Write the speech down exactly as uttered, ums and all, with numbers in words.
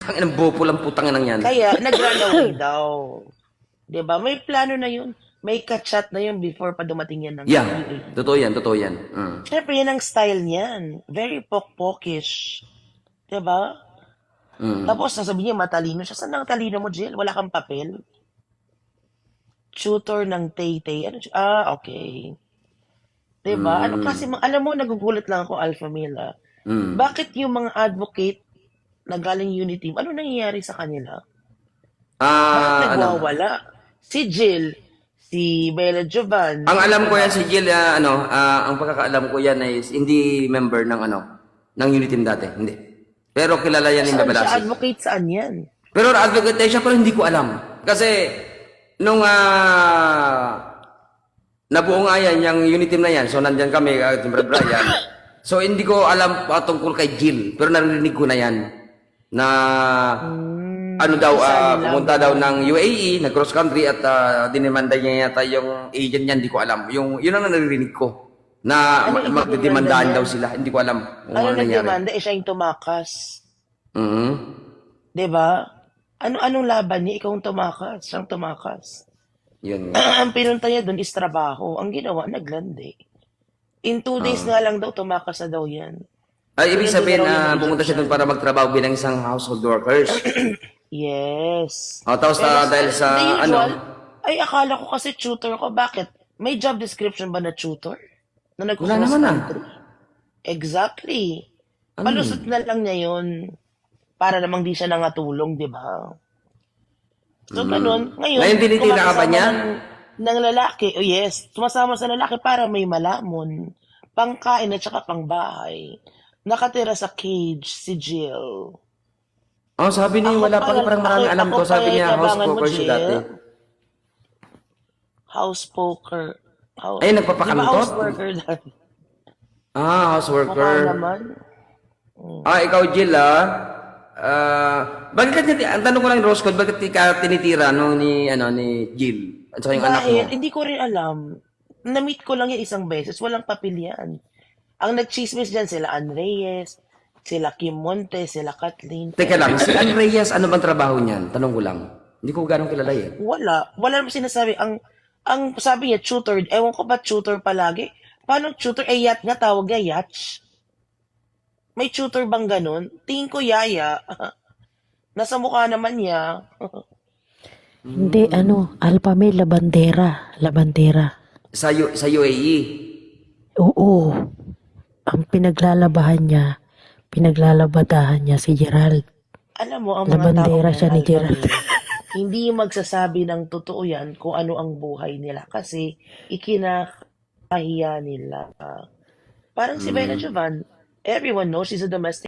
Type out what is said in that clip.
Ang inang bopo lang putang inang yan. Kaya, nag-run away daw. 'Di ba? May plano na yun. May kachat na yun before pa dumating yan ng Yeah, U A E. totoo yan, totoo yan. Mm. Siyempre, yan ang style niyan. Very pokpokish. 'Di ba? Mm. Tapos, nasabi niya, matalino siya. Saan ang talino mo, Jill? Wala kang papel? Tutor ng Tay-Tay. Ano, siya? Ah, okay. 'Di ba? Ano kasi, Mm. mga- alam mo, nagugulat lang ako, Alpha Mila. Mm. Bakit yung mga advocate na galing Unity, ano nangyayari sa kanila? Bakit Ah, ano? nagwawala? Si Jill, si Bella Jovan, Ang sino alam pa ko ba? yan si Jill, ah, ano, ah, ang pagkakaalam ko yan ay hindi member ng ano, ng Uniteam dati, hindi. Pero kilala yan ni Saan siya Babalasi. advocate, saan yan? Pero advocate tayo siya pero hindi ko alam. Kasi nung ah, nabuo nga yan, yung Uniteam na yan, so nandyan kami, uh, Timber Brian. So hindi ko alam patungkol kay Jill, pero narinig ko na yan na ano Hmm, daw, isa ah, nila pumunta ba? daw ng U A E, nag cross country at uh, dinimanda niya yata yung agent niya, hindi ko alam. Yung, yun ang naririnig ko. Na Ano ma- ididemanda magdidemandahan niya? daw sila, hindi ko alam kung Ano ano nangyari. nagdemanda? Eh, siya yung tumakas. Mhm. 'Di ba? Ano anong laban niya? Ikaw ang tumakas. Siyang tumakas. Yun nga. Ang pinunta niya doon is trabaho. Ang ginawa, naglandi. In two days Ah. nga lang daw, tumakas na daw yan. Ay, ibig Pinadala sabihin raw na yan ng pumunta siya doon Egyptian. para magtrabaho bilang isang household workers. Yes. O, tapos Pero na sa, dahil sa the ano, usual, ay akala ko kasi tutor ko. Bakit? May job description ba na tutor? Na wala nagko-cross naman ah. country? Exactly. Ano yun? Palusot na lang niya yun. Para namang di siya nangatulong, di ba? So, ganun. Ngayon, Ngayon tinitira ka ba kumakasama niya? ng, ng lalaki. Oh, yes. Sumasama sa lalaki para may malamon. Pangkain at saka pangbahay. Nakatira sa cage si Jill. Oh, sabi niya Ako wala pa, pa, parang ako, marami alam ako ko. pa Sabi niya house yabangan mo, poker siya dati. Jill. House poker. House, Ay, di ba nagpapakantot? house worker dati? Ah, house Mukha worker. naman. Ah, ikaw Jill ah. Ah, bakit ka tinitira? Ang tanong ko lang Rose Code, bakit ka tinitira no ni ano ni Jill at saka yung anak mo? Dahil, hindi ko rin alam. Na-meet ko lang yan isang beses. Walang papel yan. Ang nagchismis dyan, sila Ann Reyes, sila Kim Montes, sila Kathleen. Teka lang, si Ann Reyes, ano bang trabaho niyan? Tanong ko lang. Hindi ko ganong kilala eh. Wala. Wala naman sinasabi. Ang, ang sabi niya, tutor. Ewan ko ba tutor palagi? Paano tutor? Eh, yacht nga tawag niya, yacht. May tutor bang ganun? Tingin ko yaya. Nasa mukha naman niya. Hindi, ano, Alpha Male, Labandera. Labandera. Sa, U- sa U A E. Oo. Ang pinaglalabahan niya, pinaglalabadahan niya si Gerald. Alam mo, ang mga taong Labandera yan, siya ni Alpha Gerald. Male, hindi magsasabi ng totoo yan kung ano ang buhay nila kasi ikinakahiya nila. Parang si Bella Jovan, everyone knows she's a domestic